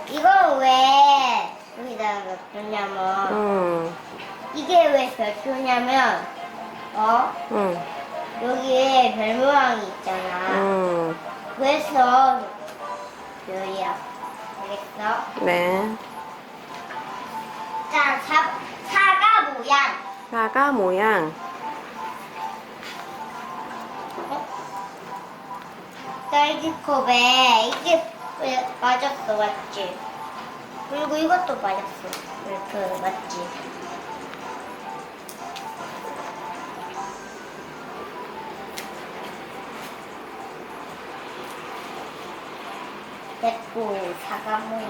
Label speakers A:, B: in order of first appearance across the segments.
A: 이거 왜 여기다가 놨냐면 이게 왜 별표냐면
B: 응.
A: 여기에 별 모양이 있잖아. 그래서 별이야. 알겠어?
B: 네.
A: 자, 사과 모양.
B: 사과 모양.
A: 딸기컵에 이게 맞았어, 맞지? 그리고 이것도 맞았어. 이렇게 맞지? 됐고, 사과 모양.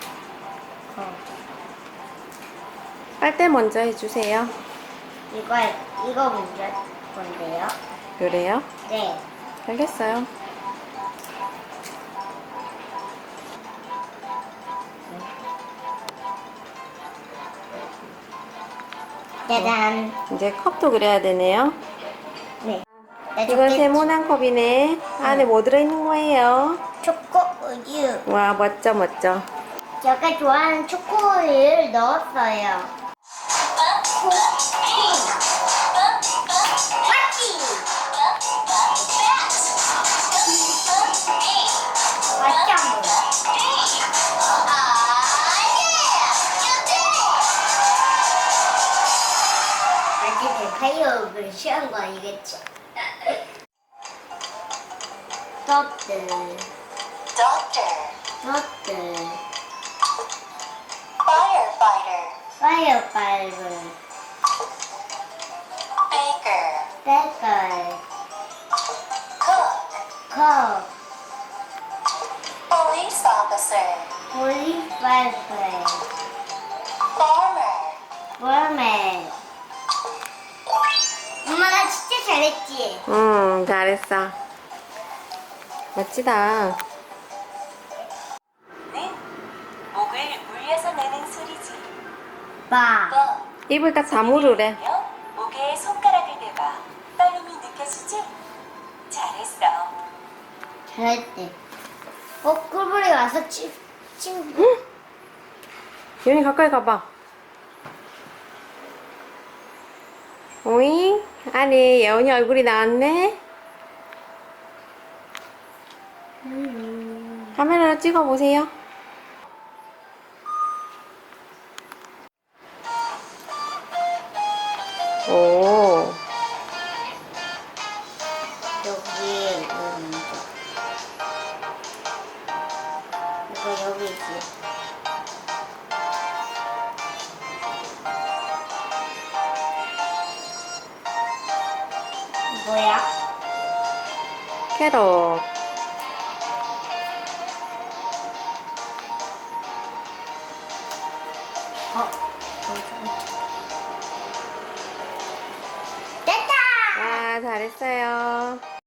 B: 빨대 먼저 해주세요.
A: 이거 먼저 할 건데요.
B: 그래요?
A: 네.
B: 알겠어요.
A: 짜잔.
B: 이제 컵도 그려야 되네요.
A: 네.
B: 이건 세모난 컵이네. 안에 뭐 들어있는 거예요?
A: 초코 우유.
B: 와, 멋져, 멋져.
A: 제가 좋아하는 초코우유를 넣었어요. 맞지? 맞지 안 보여? 아직 데카이어를 취한 거 아니겠죠? 떡들. 떡들. 파이어파이브. 백걸. 컵. 폴리파이프. 워메. 엄마 나 진짜 잘했지?
B: 잘했어. 멋지다.
C: 목을 울려서 내는 소리지.
A: 봐.
B: 입을 딱 다물으래.
C: 목에 손가락을 대봐. 떨림이 느껴지지? 잘했어.
A: 잘했대. 꿀벌이 와서 친구.
B: 윤이 가까이 가봐. 오잉? 안에 예원이 얼굴이 나왔네? 카메라로 찍어보세요. 오.
A: 여기 이거 여기지. 뭐야?
B: 캐럿.
A: 됐다!
B: 와, 잘했어요.